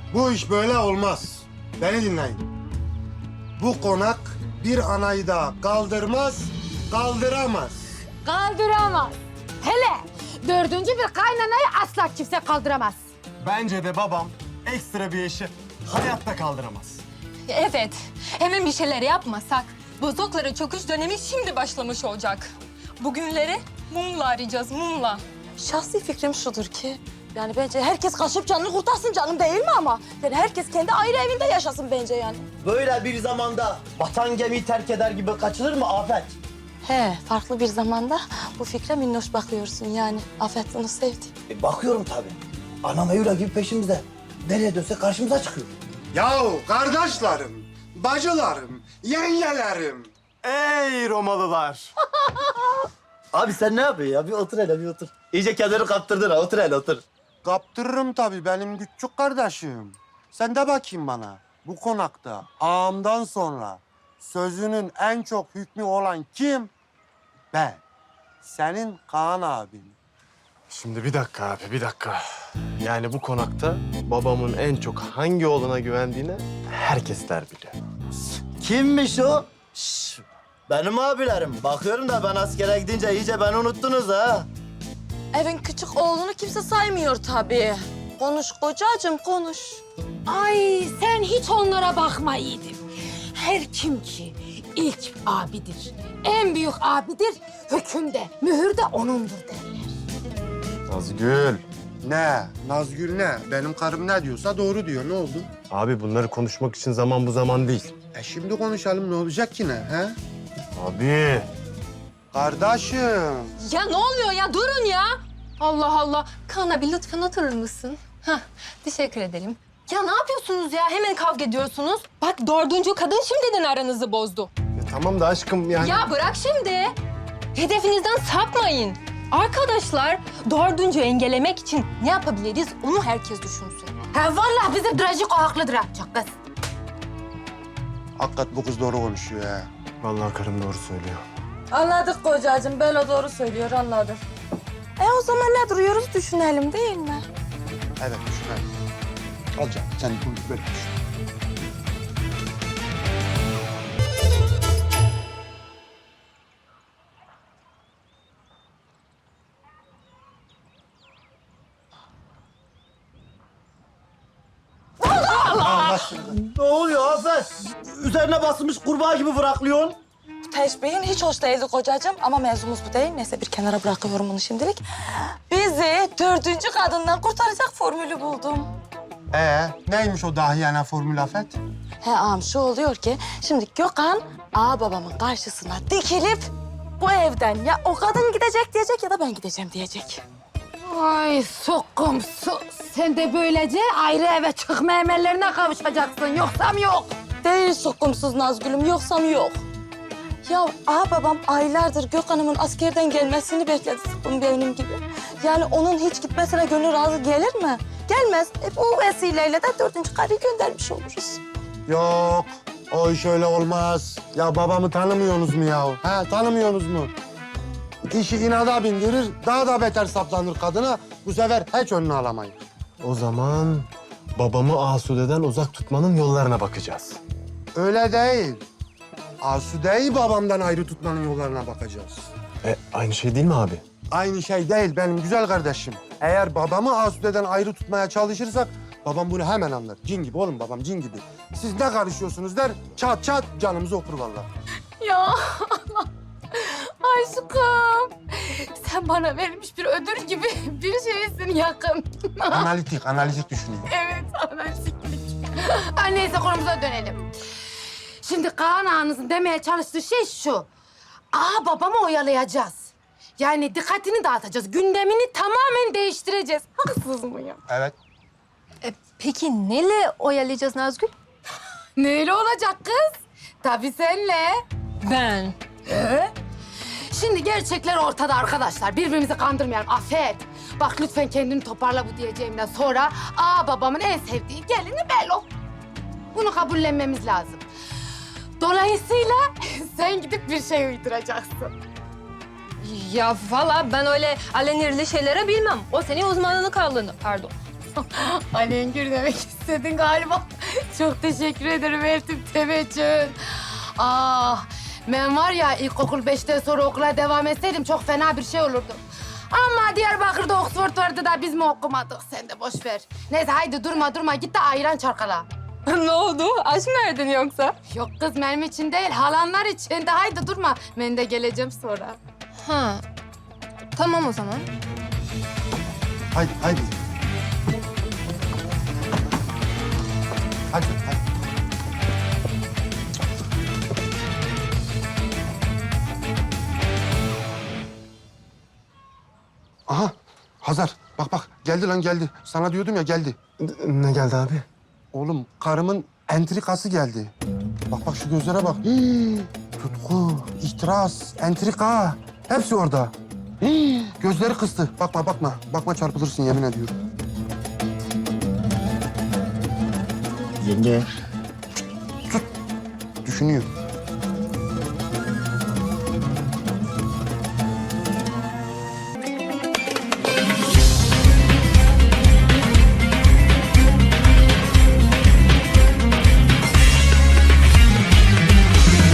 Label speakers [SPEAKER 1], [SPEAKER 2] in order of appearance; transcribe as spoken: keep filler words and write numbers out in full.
[SPEAKER 1] Bu iş böyle olmaz. Beni dinleyin. Bu konak bir anayı da kaldırmaz, kaldıramaz.
[SPEAKER 2] Kaldıramaz. Hele dördüncü bir kaynanayı asla kimse kaldıramaz.
[SPEAKER 3] Bence de babam ekstra bir işi hayatta kaldıramaz.
[SPEAKER 4] Evet, hemen bir şeyler yapmasak bozoklara çöküş dönemi şimdi başlamış olacak. Bugünleri mumla arayacağız, mumla.
[SPEAKER 5] Şahsi fikrim şudur ki, yani bence herkes kaçıp canını kurtarsın canım değil mi ama? Yani herkes kendi ayrı evinde yaşasın bence yani.
[SPEAKER 6] Böyle bir zamanda vatan gemiyi terk eder gibi kaçılır mı Afet?
[SPEAKER 5] He, farklı bir zamanda bu fikre minnoş bakıyorsun yani. Afet bunu sevdi.
[SPEAKER 6] E, bakıyorum tabii. Anam Eylül gibi peşimizde. Nereye dönse karşımıza çıkıyor.
[SPEAKER 1] Yahu kardeşlerim, bacılarım, yengelerim.
[SPEAKER 3] Ey Romalılar!
[SPEAKER 6] Abi sen ne yapıyorsun ya? Bir otur hele bir otur. İyice kendini kaptırdın ha. Otur hele otur.
[SPEAKER 1] Kaptırırım tabii benim küçük kardeşim. Sen de bakayım bana. Bu konakta ağamdan sonra sözünün en çok hükmü olan kim? Ben. Senin Kaan abin.
[SPEAKER 3] Şimdi bir dakika abi, bir dakika. Yani bu konakta babamın en çok hangi oğluna güvendiğini herkesler biliyor.
[SPEAKER 6] Kimmiş o? Şş, benim abilerim. Bakıyorum da ben askere gidince iyice beni unuttunuz ha.
[SPEAKER 5] Evin küçük oğlunu kimse saymıyor tabii. Konuş kocacığım, konuş.
[SPEAKER 2] Ay sen hiç onlara bakma yiğidim. Her kim ki ilk abidir, en büyük abidir, hükümde, mühür de onundur derler.
[SPEAKER 3] Nazgül.
[SPEAKER 1] Ne? Nazgül ne? Benim karım ne diyorsa doğru diyor. Ne oldu?
[SPEAKER 3] Abi bunları konuşmak için zaman bu zaman değil.
[SPEAKER 1] E şimdi konuşalım. Ne olacak ki ne? He?
[SPEAKER 3] Abi.
[SPEAKER 1] Kardeşim.
[SPEAKER 4] Ya ne oluyor ya? Durun ya! Allah Allah. Kaan abi lütfen oturur musun? Hah, teşekkür ederim. Ya ne yapıyorsunuz ya? Hemen kavga ediyorsunuz. Bak dördüncü kadın şimdiden aranızı bozdu.
[SPEAKER 3] Ya tamam da aşkım yani...
[SPEAKER 4] Ya bırak şimdi. Hedefinizden sapmayın. Arkadaşlar, dördüncü engellemek için ne yapabiliriz onu herkes düşünsün.
[SPEAKER 2] Ha vallahi bizim Drajik o haklıdır ha çok kız.
[SPEAKER 1] Hakikat bu kız doğru konuşuyor ha.
[SPEAKER 3] Vallahi karım doğru söylüyor.
[SPEAKER 5] Anladık kocacığım, Belo doğru söylüyor, anladık. E o zaman ne duruyoruz, düşünelim değil mi?
[SPEAKER 1] Evet düşünelim. Al canım sen bunu böyle düşün.
[SPEAKER 6] Ne oluyor Afet? Üzerine basılmış kurbağa gibi bıraklıyorsun.
[SPEAKER 5] Bu teşbihin hiç hoş değildi kocacığım ama mevzumuz bu değil. Neyse bir kenara bırakıyorum bunu şimdilik. Bizi dördüncü kadından kurtaracak formülü buldum.
[SPEAKER 1] Ee, neymiş o dahiyane formül Afet?
[SPEAKER 5] He ağam şu oluyor ki şimdi Gökhan ağa babamın karşısına dikilip bu evden ya o kadın gidecek diyecek ya da ben gideceğim diyecek.
[SPEAKER 2] Ay sokum su. Sen de böylece ayrı eve çıkma emellerine kavuşacaksın. Yoksam yok.
[SPEAKER 5] Değil sokumsuz Nazgül'üm yoksam yok. Ya ağa babam aylardır Gökhan'ımın askerden gelmesini bekledi sıkkın benim gibi. Yani onun hiç gitmesine gönül razı gelir mi? Gelmez. E, bu vesileyle de dördüncü karıyı göndermiş oluruz.
[SPEAKER 1] Yok, o iş öyle olmaz. Ya babamı tanımıyorsunuz mu ya? Ha, tanımıyorsunuz mu? İşi inada bindirir, daha da beter saplanır kadına. Bu sefer hiç önünü alamayız.
[SPEAKER 3] O zaman babamı Asude'den uzak tutmanın yollarına bakacağız.
[SPEAKER 1] Öyle değil. Asude'yi babamdan ayrı tutmanın yollarına bakacağız.
[SPEAKER 3] E aynı şey değil mi abi?
[SPEAKER 1] Aynı şey değil benim güzel kardeşim. Eğer babamı Asude'den ayrı tutmaya çalışırsak babam bunu hemen anlar. Cin gibi oğlum babam cin gibi. Siz ne karışıyorsunuz der, çat çat canımızı okur vallahi.
[SPEAKER 2] Ya aşkım. Sen bana verilmiş bir ödül gibi bir şeysin yakın.
[SPEAKER 1] Analitik, analitik düşünüyor.
[SPEAKER 2] Evet, analitiklik. Ay neyse konumuza dönelim. Şimdi Kaan ağanızın demeye çalıştığı şey şu. Aa babamı oyalayacağız. Yani dikkatini dağıtacağız. Gündemini tamamen değiştireceğiz. Haksız mıyım?
[SPEAKER 1] Evet.
[SPEAKER 4] E, peki neyle oyalayacağız Nazgül?
[SPEAKER 2] Neyle olacak kız? Tabii senle.
[SPEAKER 4] Ben.
[SPEAKER 2] Ee? Şimdi gerçekler ortada arkadaşlar. Birbirimizi kandırmayalım. Afet. Bak lütfen kendini toparla bu diyeceğimden sonra aa babamın en sevdiği gelini Belo. Bunu kabullenmemiz lazım. Dolayısıyla sen gidip bir şey uyduracaksın.
[SPEAKER 4] Ya valla ben öyle alenirli şeylere bilmem. O senin uzmanlık alanı, pardon.
[SPEAKER 2] Alengir demek istedin galiba. Çok teşekkür ederim Eltim Temeçün. Ah, ben var ya ilkokul beşten sonra okula devam etseydim çok fena bir şey olurdu. Ama Diyarbakır'da Oxford vardı da biz mi okumadık? Sen de boş ver. Neyse haydi durma durma git de ayran çarkala.
[SPEAKER 4] Ne oldu? Aç mı verdin yoksa?
[SPEAKER 2] Yok kız benim için değil halanlar için de haydi durma. Ben de geleceğim sonra.
[SPEAKER 4] Ha. Tamam o zaman.
[SPEAKER 1] Haydi, haydi. Hadi, hadi. Aha, Hazar. Bak bak, geldi lan geldi. Sana diyordum ya geldi.
[SPEAKER 3] Ne geldi abi?
[SPEAKER 1] Oğlum, karımın entrikası geldi. Bak bak şu gözlere bak. Hii, tutku, ihtiras, entrika. Hepsi orada. Hii, gözleri kıstı. Bakma bakma. Bakma çarpılırsın yemin ediyorum.
[SPEAKER 6] Yenge.
[SPEAKER 1] Düşünüyor.